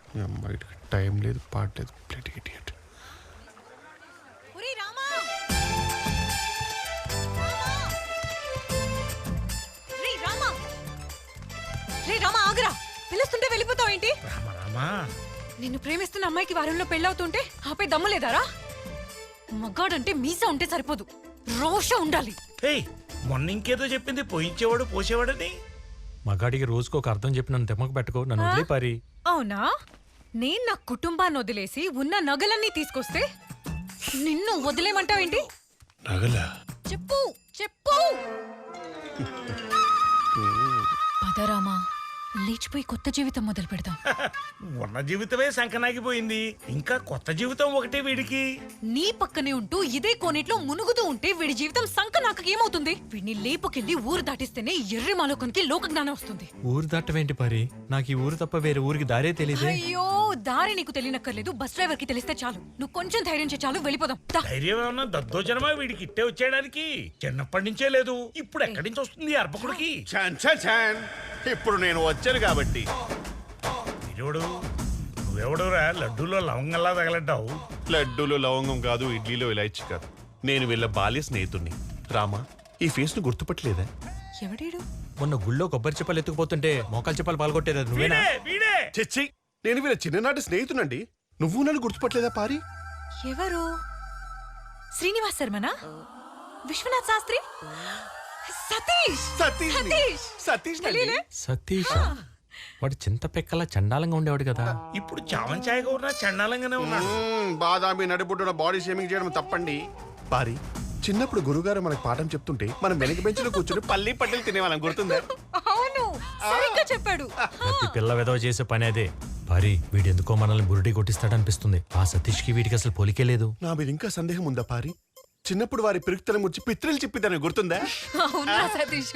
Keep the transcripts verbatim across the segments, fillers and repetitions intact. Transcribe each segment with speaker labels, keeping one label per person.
Speaker 1: అమ్మాయికి టైం లేదు, పాడలేదు. ప్లేట్ ఇడియట్.
Speaker 2: పిలుస్తుంటే వెళ్ళిపోతావు ఏంటి? నిన్ను ప్రేమిస్తున్న అమ్మాయికి వారంలో పెళ్ళవుతుంటే ఆపే దమ్ము లేదారా? మగాడంటే మీసా ఉంటే సరిపోదు, రోష ఉండాలి.
Speaker 3: మొన్న ఇంకేదో చెప్పింది, పోయించేవాడు పోసేవాడని.
Speaker 4: మగాడికి రోజుకు ఒక అర్థం చెప్పి నన్ను తెమ్మకు పెట్టుకో, నన్ను వదిలే పారి.
Speaker 2: అవునా? నేను నా కుటుంబాన్ని వదిలేసి ఉన్న నగలన్నీ తీసుకొస్తే నిన్ను వదిలేమంటావేంటి?
Speaker 1: నగలా?
Speaker 2: చెప్పు చెప్పు. పదరామా, లేచిపోయి కొత్త జీవితం మొదలు పెడదాం.
Speaker 3: ఉన్న జీవితమే సంకనాగిపోయింది, ఇంకా కొత్త జీవితం ఒకటే వీడికి.
Speaker 2: నీ పక్కనే ఉంటూ ఇదే కోనేట్లో మునుగుతూ ఉంటే వీడి జీవితం సంక నాకు ఏమవుతుంది? వీడిని లేపుకెళ్ళి ఊరు దాటిస్తేనే ఎర్రి మాలోకానికి లోక జ్ఞానం వస్తుంది.
Speaker 4: ఊరు దాటవేంటి పారి? నాకు ఈ ఊరు తప్ప వేరే ఊరికి దారే తెలియదు.
Speaker 2: అయ్యో, దారి నీకు తెలియనక్కర్లేదు, బస్ డ్రైవర్ కి తెలిస్తే చాలు. నువ్వు కొంచెం ధైర్యం చే చాలు, వెళ్ళిపోదాం.
Speaker 3: ధైర్యం ఏమన్నా దద్దోజనమా వీడికి ఇట్టే వచ్చేయడానికి? చిన్నప్పటి నుంచే లేదు, ఇప్పుడు ఎక్కడి నుంచి వస్తుంది అర్పకుడికి?
Speaker 1: ఇప్పుడు నేను వచ్చాను కాబట్టి.
Speaker 3: వీడోడు నువ్వెవడురా లడ్డూలో లవంగంలా తగలడ్డావు?
Speaker 1: లడ్డూలో లవంగం కాదు, ఇడ్లీలో ఇలాచి కాదు. నేను వీళ్ళ బాల్య స్నేహితుడిని. రామా, ఈ ఫేస్ ను గుర్తుపట్టలేదా?
Speaker 2: ఎవడేడు?
Speaker 4: మొన్న గుళ్ళో కొబ్బరి చెప్పలు ఎత్తుకుపోతుంటే మోకాలు చెప్పలు పాల్గొట్టేదా నువ్వేనా?
Speaker 3: వీడే
Speaker 1: చెచ్చి, నేను వీళ్ళ చిన్ననాటి స్నేహితునండి. నువ్వు నన్ను గుర్తుపట్టలేదా పారి?
Speaker 2: ఎవరు? శ్రీనివాస్ శర్మనా? విశ్వనాథ్ శాస్త్రి? సతీష్
Speaker 1: సతీష్ సతీష్
Speaker 4: సతీష్ వాడు చింత పెక్కలా చండాలంగా ఉండేవాడు కదా.
Speaker 3: ఇప్పుడు చావన్ ఛాయగా ఉన్నా చండాలంగానే ఉన్నాడు.
Speaker 1: బాదామి నడిబుడ్డున బాడీ షేమింగ్ చేయడం తప్పండి. పారి, చిన్నప్పుడు గురుగారు మనకు పాఠం చెప్తుంటే మనం వెనక బెంచ్లో కూర్చుని పల్లి పట్టెలు తినేవాళ్ళం, గుర్తుందా?
Speaker 2: అవును, సరిగ్గా చెప్పాడు.
Speaker 4: ప్రతి పిల్ల వెదవ చేసే పని అదే. పారి, వీడెందుకో మనల్ని బురుడి కొట్టిస్తాడనిపిస్తుంది. ఆ సతీష్ కి వీడికి అసలు పోలికే లేదు.
Speaker 1: నా మీద ఇంకా సందేహం ఉందా పారి? చిన్నప్పుడు వారి పిరుక్తలం వచ్చి పిత్రలు చెప్పిద్దని గుర్తుందా?
Speaker 2: అవునా సతీష్,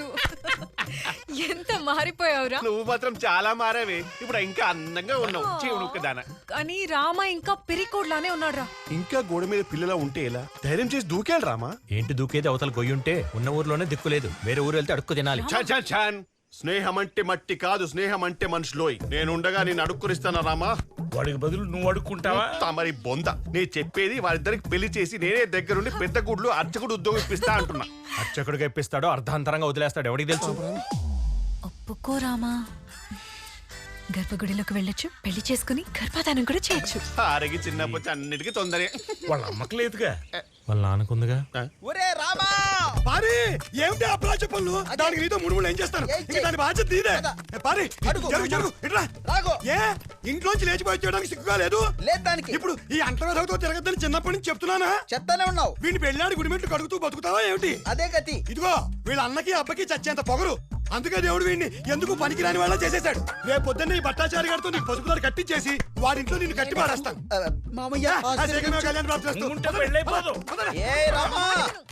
Speaker 2: ఎంత మారిపోయావురా.
Speaker 1: నువ్వు మాత్రం చాలా మారావే, ఇప్పుడు ఇంకా అందంగా ఉన్నావు. చీవునుక్కదానా.
Speaker 2: కానీ రామ ఇంకా పిరికోడ్లానే ఉన్నాడురా.
Speaker 1: ఇంకా గోడ మీద పిల్లలా ఉంటే ఎలా? ధైర్యం చేసి దూకేయాలి రామా.
Speaker 4: ఏంటి దూకేది? అవతల గొయ్యుంటే ఉన్న ఊర్లోనే దిక్కులేదు, వేరే ఊరు వెళ్తే అడుక్కు తినాలి.
Speaker 1: స్నేహం అంటే మట్టి కాదు, స్నేహం అంటే మనుషులోయ్. నేనుండగా నేను అడుక్కునిస్తానా రామా?
Speaker 3: వాడికి బదులు నువ్వు అడుక్కుంటావా?
Speaker 1: తమరి బొంద. నేను చెప్పేది వారిద్దరికి పెళ్లి చేసి నేనే దగ్గరుండి పెద్ద గుడ్లు అర్చకుడు ఉద్యోగం ఇప్పిస్తా అంటున్నా.
Speaker 4: అర్చకుడిగా ఇప్పిస్తాడో అర్ధాంతరంగా వదిలేస్తాడు, ఎవడికి తెలుసు?
Speaker 2: ఒప్పుకో రామా, గర్భగుడిలోకి వెళ్ళొచ్చు, పెళ్లి చేసుకుని గర్భధానం కూడా చేయొచ్చు.
Speaker 1: ఆరగి చిన్నప్పటి అన్నిటికీ తొందరే.
Speaker 3: వాళ్ళ అమ్మకి లేదుగా,
Speaker 4: వాళ్ళ నాన్నకుందిగా.
Speaker 5: ఒరే రామా,
Speaker 6: పారి, ఏమిటి ఆ ప్లాచ పనులు? దానికి నీతో మూడు మూడు ఏం చేస్తాను? ఇంకా దాని బాధ్యత నీదే. పారి, జరుగు జరుగు, ఇట్రా. ఏ ఇంట్లోంచి లేచిపోయి చేయడానికి సిగ్గుగా లేదు?
Speaker 5: లేదు దానికి.
Speaker 6: ఇప్పుడు ఈ అంటరాతో తిరగద్దని చిన్నప్పటి నుంచి చెప్తున్నానా?
Speaker 5: చెప్తానే ఉన్నావు.
Speaker 6: వీడిని పెళ్ళాడి గుడిమెట్లు కడుగుతూ బతుకుతావా ఏమిటి?
Speaker 5: అదే గతి.
Speaker 6: ఇదిగో, వీళ్ళ అన్నకి అబ్బకి చచ్చేంత పొగరు. అందుకే దేవుడు వీడిని ఎందుకు పనికిరాని వాళ్ళ చేసేశాడు. రేపు పొద్దున్న ఈ భట్టాచారి గారితో నీకు పసుపుదారు కట్టించేసి వాడింట్లో నిన్ను కట్టి పారేస్తాను.
Speaker 5: మామయ్య,
Speaker 6: కళ్యాణ్
Speaker 3: పెళ్ళైపోదు.
Speaker 5: ఏ రామా,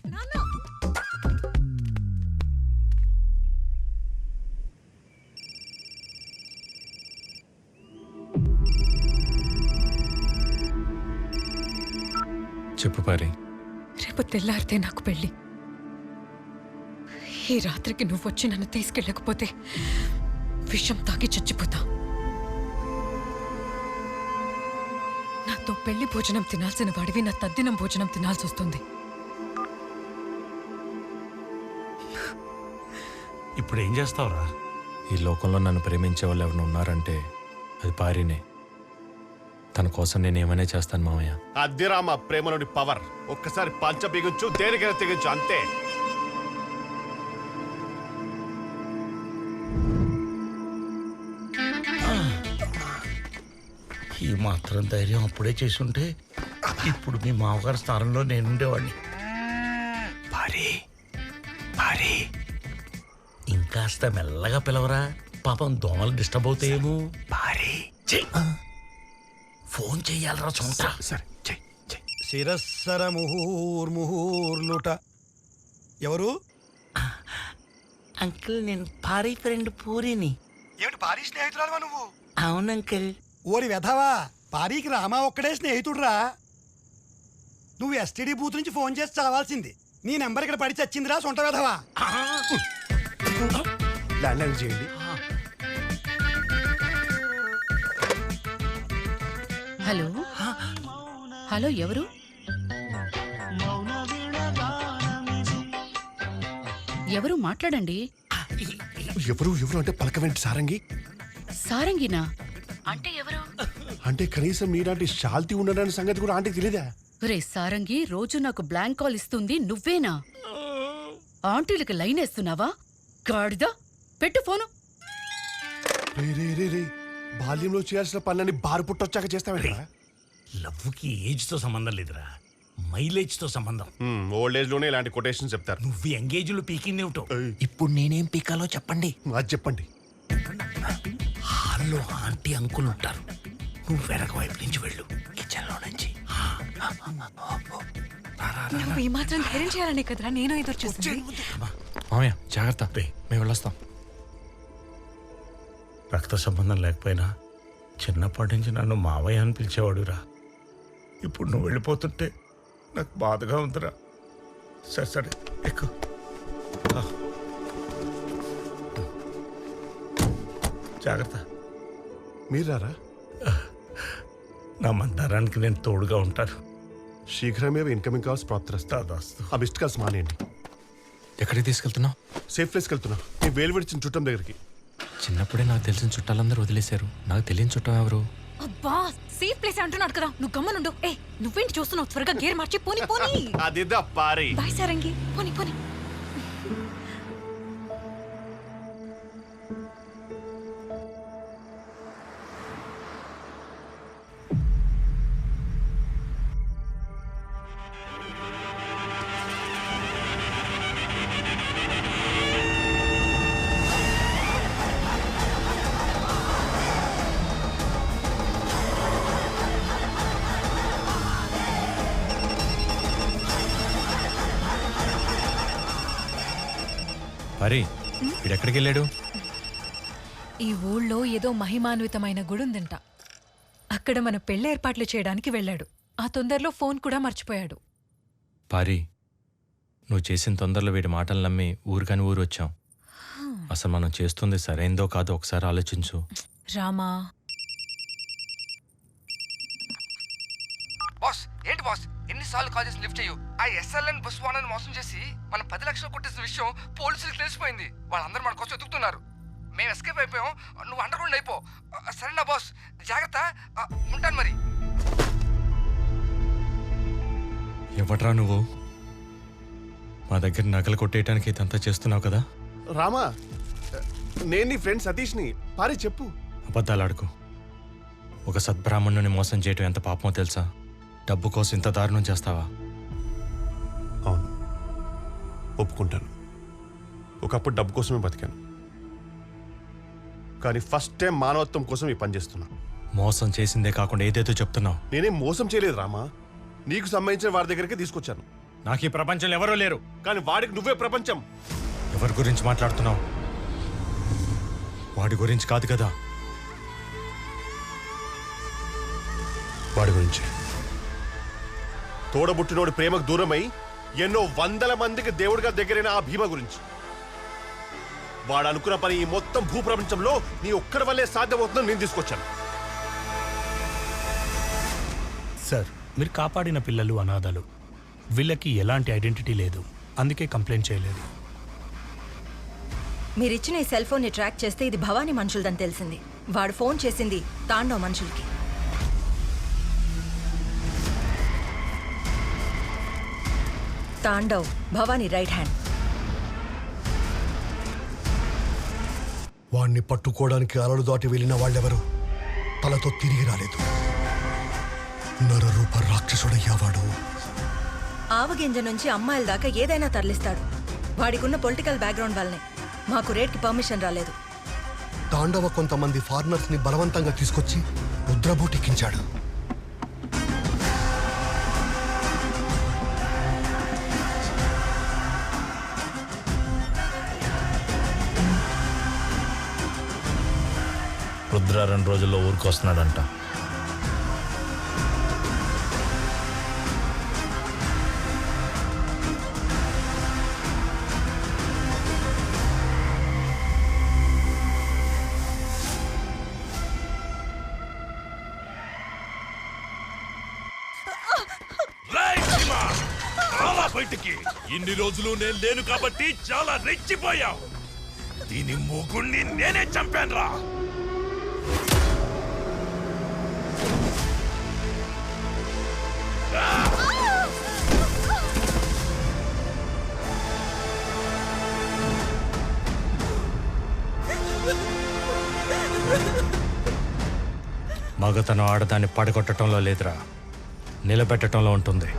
Speaker 4: చెప్పు పారి.
Speaker 2: రేపు తెల్లారితే నాకు పెళ్లి. ఈ రాత్రికి నువ్వు వచ్చి నన్ను తీసుకెళ్ళకపోతే విషం తాగి చచ్చిపోతా. నాతో పెళ్లి భోజనం తినాల్సిన వాడివి నా తద్దినం భోజనం తినాల్సి వస్తుంది.
Speaker 3: ఇప్పుడు ఏం చేస్తావురా?
Speaker 4: ఈ లోకంలో నన్ను ప్రేమించే వాళ్ళు ఎవరు ఉన్నారంటే అది పారినే. తన కోసం నేను ఏమైనా చేస్తాను మామయ్య.
Speaker 1: అద్దె రామా ప్రేమలోని పవర్. ఒక్కసారి పంచ బిగించు, దేనికైనా తెగించు, అంతే.
Speaker 3: ఈ మాత్రం ధైర్యం అప్పుడే చేసుంటే ఇప్పుడు మీ మామగారి స్థానంలో నేనుండేవాడిని. భారీ భారీ ఇంకాస్త మెల్లగా పిలవరా, పాపం దోమలు డిస్టర్బ్ అవుతాయేమో. భారీ ఫోన్ చెయ్యాలరా చోట.
Speaker 1: సరే, చెయ్ చెయ్.
Speaker 6: శిరస్సర ముహూర్ముహూర్లుట. ఎవరు?
Speaker 3: అంకుల్, నేను భారీ ఫ్రెండ్ పూరిని.
Speaker 6: ఏమిటి పారీ స్నేహితురాలువా నువ్వు?
Speaker 3: అవును అంకుల్.
Speaker 6: ఓరి వెధవా, పారీకి రామా ఒక్కడే స్నేహితుడురా. నువ్వు ఎస్టీడీ బూత్ నుంచి ఫోన్ చేసి చావాల్సింది. నీ నెంబర్ ఇక్కడ పడి చచ్చిందిరా సొంట వెధవా.
Speaker 1: ల్యాండ్ లైన్ చేయండి.
Speaker 7: హలో హలో ఎవరు? ఎవరు మాట్లాడండి.
Speaker 1: ఎవరు ఎవరు అంటే పలకవేంటి సారంగి?
Speaker 7: సారంగినా అంటే ఎవరు?
Speaker 1: అంటే కనీసం మీలాంటి శాల్తీ ఉండడానికి సంగతి కూడా ఆంటీకి తెలియదా?
Speaker 7: రే సారంగి, రోజు నాకు బ్లాంక్ కాల్ ఇస్తుంది నువ్వేనా? ఆంటీలకు లైన్ వేస్తున్నావా? గాడిదా, పెట్టు ఫోను.
Speaker 1: రే రే రే రే బాల్యంలో చేయాల్సిన పనులని బారు పుట్టొచ్చాక చేస్తావేంటి?
Speaker 3: లవ్వుకి ఏజ్ తో సంబంధం లేదురా, మైలేజ్ తో సంబంధం.
Speaker 1: ఓల్డ్ ఏజ్ లోనే ఇలాంటి కొటేషన్ చెప్తారు.
Speaker 3: నువ్వు ఎంగేజ్ లో పీకింది ఏమిటో.
Speaker 8: ఇప్పుడు నేనేం పీకాలో చెప్పండి.
Speaker 1: అది చెప్పండి.
Speaker 3: హాల్లో ఆంటీ అంకుల్ ఉంటారు, నువ్వు వెనక వైపు నుంచి వెళ్ళు, కిచెన్ లో నుంచి.
Speaker 2: నువ్వు ఈ మాత్రం ధైర్యం చేయాలనే కదరా నేను ఎదురు చూస్తుంది.
Speaker 4: మామయ్య జాగ్రత్త,
Speaker 3: రే.
Speaker 4: మేము వెళ్ళొస్తాం.
Speaker 3: రక్త సంబంధం లేకపోయినా చిన్నప్పటి నుంచి నన్ను మావయ్య అని పిలిచేవాడురా. ఇప్పుడు నువ్వు వెళ్ళిపోతుంటే నాకు బాధగా ఉందిరా. సరే సరే ఎక్కు. ఆ. జాగ్రత్త.
Speaker 1: మీరారా?
Speaker 3: నా మందారానికి నేను తోడుగా ఉంటాను.
Speaker 1: శీఘ్రమే ఇన్కమింగ్ కాల్స్ ప్రాప్తిస్తా.
Speaker 3: దాదాస్తు.
Speaker 1: ఆ మిస్డ్ కాల్స్ మానేయండి.
Speaker 4: ఎక్కడికి తీసుకెళ్తున్నావు?
Speaker 1: సేఫ్ ప్లేస్కి వెళ్తున్నా, నీ వేలు విడిచిన చుట్టం దగ్గరికి.
Speaker 4: చిన్నప్పుడే నాకు తెలిసిన చుట్టాలందరూ వదిలేశారు. నాకు తెలియని చుట్టం ఎవరు?
Speaker 2: అబ్బా సేఫ్ ప్లేస్ అంటున్నాడు కదా, నువ్వు గమ్మనుండు. ఏ నువ్వేంటి చూస్తున్నావు? త్వరగా గేర్ మార్చి పోని పోని.
Speaker 1: అదిదా పారి.
Speaker 2: బాయ్ సారంగి, పోని పోని.
Speaker 4: హరి, వీడెక్కడికి వెళ్ళాడు?
Speaker 2: ఈ ఊళ్ళో ఏదో మహిమాన్వితమైన గుడి ఉందంట, అక్కడ మన పెళ్లి ఏర్పాట్లు చేయడానికి వెళ్ళాడు. ఆ తొందరలో ఫోన్ కూడా మర్చిపోయాడు.
Speaker 4: పారి, నువ్వు చేసిన తొందరలో వీడి మాటలు నమ్మి ఊరికని ఊరు వచ్చాం. అసలు మనం చేస్తుంది సరైందో కాదో ఒకసారి ఆలోచించు.
Speaker 2: రామా.
Speaker 9: బాస్ ఏంటి బాస్, ఎన్నిసార్లు కాల్ చేసి లిఫ్ట్ చేయు. ఆ ఎస్ఎల్ఎన్ బస్ వానని మోసం చేసి మనం పది లక్షలు కొట్టేసిన విషయం పోలీసులకు తెలిసిపోయింది. వాళ్ళందరూ మన కోసం ఎదుగుతున్నారు. మేము ఎస్కేప్ అయిపోయాం, నువ్వు అండర్ గ్రౌండ్ అయిపో. సరేనా బాస్, జాగ్రత్త. ఉంటాను మరి.
Speaker 4: ఎవట్రా నువ్వు? మా దగ్గర నగలు కొట్టేయటానికి ఇదంతా చేస్తున్నావు కదా?
Speaker 1: రామా, నేను నీ ఫ్రెండ్ సతీష్ని. పారి చెప్పు.
Speaker 4: అబద్ధాలు ఆడుకో. ఒక సద్బ్రాహ్మణుని మోసం చేయటం ఎంత పాపమో తెలుసా? డబ్బు కోసం ఇంత దారుణం చేస్తావా?
Speaker 1: అవును, ఒప్పుకుంటాను. ఒకప్పుడు డబ్బు కోసమే బతికాను, కానీ ఫస్ట్ టైం మానవత్వం కోసం ఈ పని చేస్తున్నా.
Speaker 4: మోసం చేసిందే కాకుండా ఏదేదో చెప్తున్నావు.
Speaker 1: నేనేం మోసం చేయలేదు రామా, నీకు సంబంధించిన వారి దగ్గరికి తీసుకొచ్చాను.
Speaker 4: నాకు ఈ ప్రపంచంలో ఎవరూ లేరు.
Speaker 1: కానీ వాడికి నువ్వే ప్రపంచం.
Speaker 4: ఎవరి గురించి మాట్లాడుతున్నావు? వాడి గురించి కాదు కదా.
Speaker 1: వాడి గురించి. తోడబుట్టినోడి ప్రేమకు దూరమై ఎన్నో వందల మందికి దేవుడిగా దగ్గరైన ఆ భీమ గురించి. వాడు అనుకున్న పని ఈ మొత్తం భూప్రపంచంలో నీ ఒక్కడి వల్లే సాధ్యమవుతుందని నేను తీసుకొచ్చాను.
Speaker 10: సార్, మీరు కాపాడిన పిల్లలు అనాథలు. వీళ్ళకి ఎలాంటి ఐడెంటిటీ లేదు, అందుకే కంప్లైంట్ చేయలేదు.
Speaker 11: మీరిచ్చిన ఈ సెల్ ఫోన్ని ట్రాక్ చేస్తే ఇది భవానీ మనుషులదని తెలిసింది. వాడు ఫోన్ చేసింది తాండవ్ మనుషులకి. Tandav Bhavani right hand.
Speaker 6: వాణ్ణి పట్టుకోవడానికి అలలు దాటి వెళ్ళిన వాళ్ళెవరు తలతో తిరిగి రాలేదు. నరరూప రాక్షసుడయ్యావాడు.
Speaker 11: ఆవగింజ నుంచి అమ్మాయిల దాకా ఏదైనా తరలిస్తాడు. వాడికున్న పొలిటికల్ బ్యాక్గ్రౌండ్ వల్లనే మాకు రేట్కి పర్మిషన్ రాలేదు.
Speaker 6: తాండవ కొంతమంది ఫారినర్స్ ని బలవంతంగా తీసుకొచ్చి ముద్రబోటెక్కించాడు.
Speaker 10: రుద్ర రెండు రోజుల్లో ఊరికి వస్తున్నాడంట.
Speaker 3: బయటికి. ఇన్ని రోజులు నేను లేను కాబట్టి చాలా రెచ్చిపోయావు. దీని మూగుణ్ణి నేనే చంపాను రా.
Speaker 4: మగతనం ఆడదాన్ని పడగొట్టడంలో లేదురా, నిలబెట్టడంలో ఉంటుంది.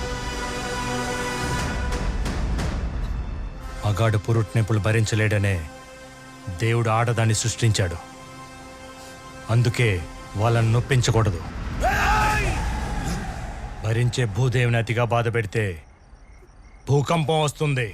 Speaker 4: మగాడు పురుట్నొప్పులు భరించలేడనే దేవుడు ఆడదాన్ని సృష్టించాడు. అందుకే వాళ్ళని నొప్పించకూడదు. భరించే భూదేవిని అతిగా బాధ పెడితే భూకంపం వస్తుంది.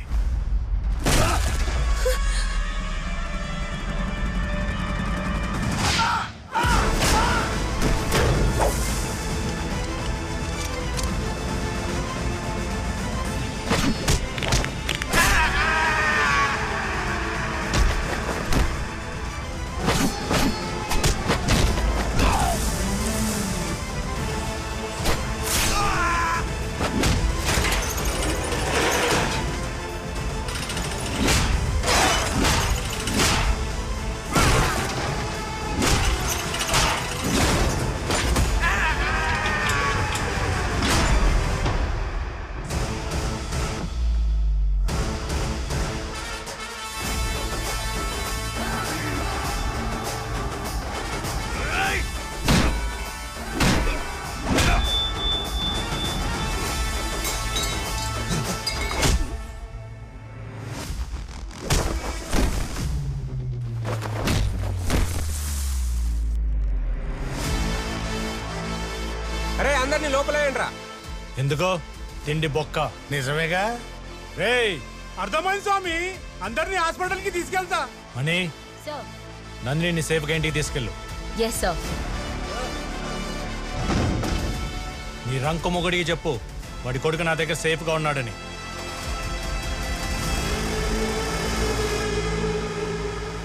Speaker 9: అరే అందరినీ లోపలేయండిరా.
Speaker 4: ఎందుకో తిండి బొక్క.
Speaker 3: నిజమేగా?
Speaker 4: రేయ్
Speaker 3: అర్థమైంది స్వామి. అందరినీ హాస్పిటల్ కి తీసుకెళ్తా.
Speaker 4: మనీ, నందిని సేఫ్గా ఇంటికి తీసుకెళ్ళు.
Speaker 7: Yes sir.
Speaker 4: నీ రంకు మొగుడికి చెప్పు వాడి కొడుకు నా దగ్గర సేఫ్గా ఉన్నాడని.